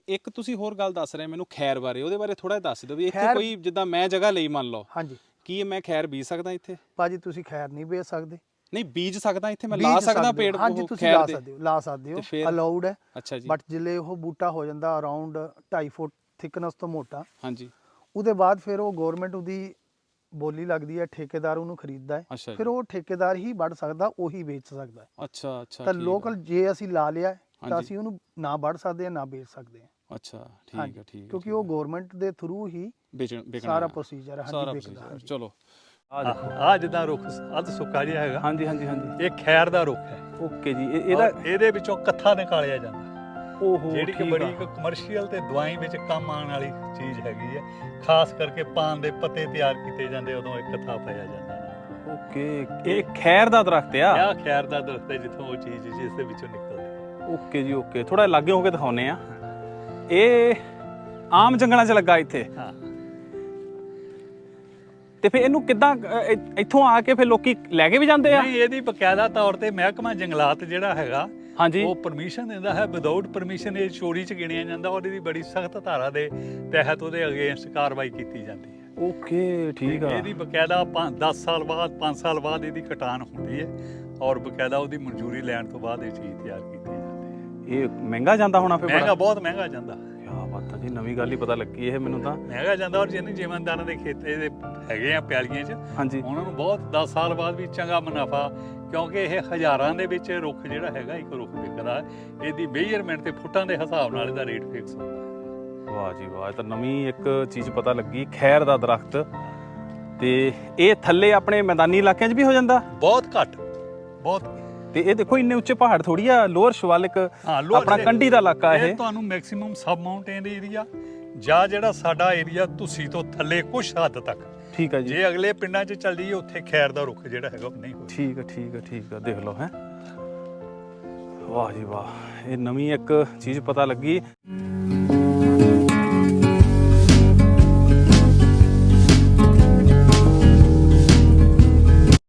ਇੱਕ ਤੁਸੀਂ ਹੋਰ ਗੱਲ ਦੱਸ ਰਹੇ ਮੈਨੂੰ ਖੈਰ ਬਾਰੇ, ਉਹਦੇ ਬਾਰੇ ਥੋੜਾ ਦੱਸ ਦਿਓ ਵੀ ਇੱਥੇ ਕੋਈ ਜਿੱਦਾਂ ਮੈਂ ਜਗ੍ਹਾ ਲਈ ਮੰਨ ਲਓ, ਹਾਂਜੀ ਕੀ ਮੈਂ ਖੈਰ ਬੀਜ ਸਕਦਾ ਇੱਥੇ? ਭਾਜੀ ਤੁਸੀਂ ਖੈਰ ਨਹੀਂ ਵੇਚ ਸਕਦੇ। ਨਹੀਂ ਬੀਜ ਸਕਦਾ ਇੱਥੇ, ਮੈਂ ਲਾ ਸਕਦਾ ਪੇੜ ਹਾਂਜੀ ਉਹ ਤੁਸੀਂ ਖੈਰ ਲਾ ਦੇ? ਸਕਦੇ ਹੋ, ਲਾ ਸਕਦੇ ਹੋ, ਫਿਰ ਅਲਾਉਡ ਹੈ। ਅੱਛਾ ਜੀ। ਬਟ ਜਿਲੇ ਉਹ ਬੂਟਾ ਹੋ ਜਾਂਦਾ ਅਰਾਊਂਡ 2.5 ਫੁੱਟ ਥਿਕਨੈਸ ਤੋਂ ਮੋਟਾ, ਹਾਂਜੀ ਉਹਦੇ ਬਾਅਦ ਫਿਰ ਉਹ ਗਵਰਨਮੈਂਟ ਉਹਦੀ ਬੋਲੀ ਲੱਗਦੀ ਹੈ, ਠੇਕੇਦਾਰ ਉਹਨੂੰ ਖਰੀਦਦਾ ਹੈ, ਅੱਛਾ ਫਿਰ ਜੀ। ਉਹ ਠੇਕੇਦਾਰ ਹੀ ਵੱਢ ਸਕਦਾ, ਉਹੀ ਵੇਚ ਸਕਦਾ ਹੈ। ਅੱਛਾ ਅੱਛਾ ਤਾਂ ਠੀਕ ਲੋਕਲ ਆ। ਜੇ ਅਸੀਂ ਲਾ ਲਿਆ ਤਾਂ ਹਾਂਜੀ ਅਸੀਂ ਉਹਨੂੰ ਨਾ ਵੱਢ ਸਕਦੇ ਹਾਂ ਨਾ ਵੇਚ ਸਕਦੇ ਹਾਂ। ਅੱਛਾ ਠੀਕ ਹਾਂਜੀ ਆ ਠੀਕ ਆ। ਕਿਉਂਕਿ ਉਹ ਗਵਰਨਮੈਂਟ ਦੇ ਥਰੂ ਹੀ ਵਿਕਣਾ ਸਾਰਾ ਪ੍ਰੋਸੀਜਰ ਹੈ। ਹਾਂਜੀ ਸਾਰਾ ਵਿਕਦਾ। ਪ੍ਰੋਸੀਜਰ। ਹਾਂਜੀ ਚਲੋ ਆ ਜਿੱਦਾਂ ਰੁੱਖ ਅੱਧ ਸੁੱਕਾ ਜਿਹਾ ਹੈਗਾ, ਹਾਂਜੀ ਹਾਂਜੀ ਹਾਂਜੀ। ਇਹ ਖੈਰ ਦਾ ਰੁੱਖ ਹੈ। ਓਕੇ ਜੀ। ਇਹਦੇ ਵਿੱਚੋਂ ਕੱਥਾ ਨਿਕਾਲਿਆ ਜਾਂਦਾ, ਓਹੋ ਜਿਹੜੀ ਕਿ ਬੜੀ ਇੱਕ ਕਮਰਸ਼ੀਅਲ ਤੇ ਦਵਾਈ ਵਿੱਚ ਕੰਮ ਆਉਣ ਵਾਲੀ ਚੀਜ਼ ਹੈਗੀ ਹੈ। ਖਾਸ ਕਰਕੇ ਪਾਨ ਦੇ ਪੱਤੇ ਤਿਆਰ ਕੀਤੇ ਜਾਂਦੇ, ਉਦੋਂ ਇੱਕ ਕੱਥਾ ਪਾਇਆ ਜਾਂਦਾ। ਓਕੇ ਇਹ ਖੈਰ ਦਾ ਦਰਖਤ ਆ? ਇਹ ਖੈਰ ਦਾ ਦਰਖਤ ਹੈ, ਜਿੱਥੋਂ ਉਹ ਚੀਜ਼ ਜਿਸ ਦੇ ਵਿੱਚੋਂ ਨਿਕਲਦੀ। ਓਕੇ ਜੀ ਓਕੇ। ਥੋੜਾ ਲਾਗੇ ਹੋ ਕੇ ਦਿਖਾਉਨੇ ਆ। ਇਹ ਆਮ ਜੰਗਲਾਂ 'ਚ ਲੱਗਾ ਇੱਥੇ? ਹਾਂ। ਤੇ ਫਿਰ ਇਹਨੂੰ ਕਿੱਦਾਂ ਇੱਥੋਂ ਆ ਕੇ ਫਿਰ ਲੋਕੀ ਲੈ ਕੇ ਵੀ ਜਾਂਦੇ ਆ? ਨਹੀਂ, ਇਹਦੀ ਬਕਾਇਦਾ ਤੌਰ ਤੇ ਮਹਿਕਮਾ ਜੰਗਲਾਤ ਜਿਹੜਾ ਹੈਗਾ, ਹਾਂਜੀ, ਉਹ ਪਰਮਿਸ਼ਨ ਦਿੰਦਾ ਹੈ। ਵਿਦਆਊਟ ਪਰਮਿਸ਼ਨ ਇਹ ਚੋਰੀ 'ਚ ਗਿਣਿਆ ਜਾਂਦਾ, ਔਰ ਇਹਦੀ ਬੜੀ ਸਖਤ ਧਾਰਾ ਦੇ ਤਹਿਤ ਉਹਦੇ ਅਗੇਂਸਟ ਕਾਰਵਾਈ ਕੀਤੀ ਜਾਂਦੀ ਹੈ। ਓਕੇ ਠੀਕ ਆ। ਇਹਦੀ ਬਕਾਇਦਾ 10 ਸਾਲ ਬਾਅਦ 5 ਸਾਲ ਬਾਅਦ ਇਹਦੀ ਕਟਾਨ ਹੁੰਦੀ ਹੈ, ਔਰ ਬਕਾਇਦਾ ਉਹਦੀ ਮਨਜ਼ੂਰੀ ਲੈਣ ਤੋਂ ਬਾਅਦ ਇਹ ਚੀਜ਼ ਤਿਆਰ ਕੀਤੀ ਜਾਂਦੀ ਹੈ। ਇਹ ਮਹਿੰਗਾ ਜਾਂਦਾ ਹੋਣਾ ਫਿਰ? ਮਹਿੰਗਾ, ਬਹੁਤ ਮਹਿੰਗਾ ਜਾਂਦਾ। ਕਿਆ ਬਾਤ ਆ ਜੀ, ਨਵੀਂ ਗੱਲ ਹੀ ਪਤਾ ਲੱਗੀ ਇਹ ਮੈਨੂੰ ਤਾਂ। ਮਹਿੰਗਾ ਜਾਂਦਾ, ਔਰ ਜਿਹਨੇ ਜ਼ਿਮੀਂਦਾਰਾਂ ਦੇ ਖੇਤੇ ਦੇ ਹੈਗੇ ਆ ਪਿਆਲੀਆਂ 'ਚ, ਹਾਂਜੀ ਉਹਨਾਂ ਨੂੰ ਬਹੁਤ 10 ਸਾਲ ਬਾਅਦ ਵੀ ਚੰਗਾ ਮੁਨਾਫਾ, ਕਿਉਂਕਿ ਇਹ ਹਜ਼ਾਰਾਂ ਦੇ ਵਿੱਚ ਰੁੱਖ ਜਿਹੜਾ ਹੈਗਾ, ਇੱਕ ਰੁੱਖ ਵਿਕਦਾ ਹੈ। ਇਹਦੀ ਮੇਜਰਮੈਂਟ ਤੇ ਫੁੱਟਾਂ ਦੇ ਹਿਸਾਬ ਨਾਲ ਇਹਦਾ ਰੇਟ ਫਿਕਸ ਹੁੰਦਾ ਹੈ। ਵਾਹ ਜੀ ਵਾਹ, ਇਹ ਤਾਂ ਨਵੀਂ ਇੱਕ ਚੀਜ਼ ਪਤਾ ਲੱਗੀ। ਖੈਰ ਦਾ ਦਰਖਤ, ਤੇ ਇਹ ਥੱਲੇ ਆਪਣੇ ਮੈਦਾਨੀ ਇਲਾਕਿਆਂ 'ਚ ਵੀ ਹੋ ਜਾਂਦਾ? ਬਹੁਤ ਘੱਟ, ਬਹੁਤ। ਤੇ ਇਹ ਦੇਖੋ ਇੰਨੇ ਉੱਚੇ ਪਹਾੜ ਥੋੜੀ ਆ, ਲੋਅਰ ਸ਼ਿਵਾਲਿਕ ਆਪਣਾ ਕੰਢੀ ਦਾ ਇਲਾਕਾ ਇਹ। ਤੁਹਾਨੂੰ ਮੈਕਸਿਮਮ ਸਬ ਮਾਊਂਟੇਨ ਏਰੀਆ ਜਾਂ ਜਿਹੜਾ ਸਾਡਾ ਏਰੀਆ ਤੁਸੀਂ ਤੋਂ ਥੱਲੇ ਕੁਝ ਹੱਦ ਤੱਕ। ਠੀਕ ਆ ਜੀ। ਜੇ ਅਗਲੇ ਪਿੰਡਾਂ 'ਚ ਚੱਲ ਜਾਈਏ, ਉੱਥੇ ਖੈਰ ਦਾ ਰੁੱਖ ਜਿਹੜਾ ਹੈਗਾ ਉਹ ਨਹੀਂ ਹੋਇਆ। ਠੀਕ ਆ ਠੀਕ ਆ ਠੀਕ ਆ। ਦੇਖ ਲਓ ਹੈ। ਵਾਹ ਜੀ ਵਾਹ, ਇਹ ਨਵੀਂ ਇੱਕ ਚੀਜ਼ ਪਤਾ ਲੱਗੀ।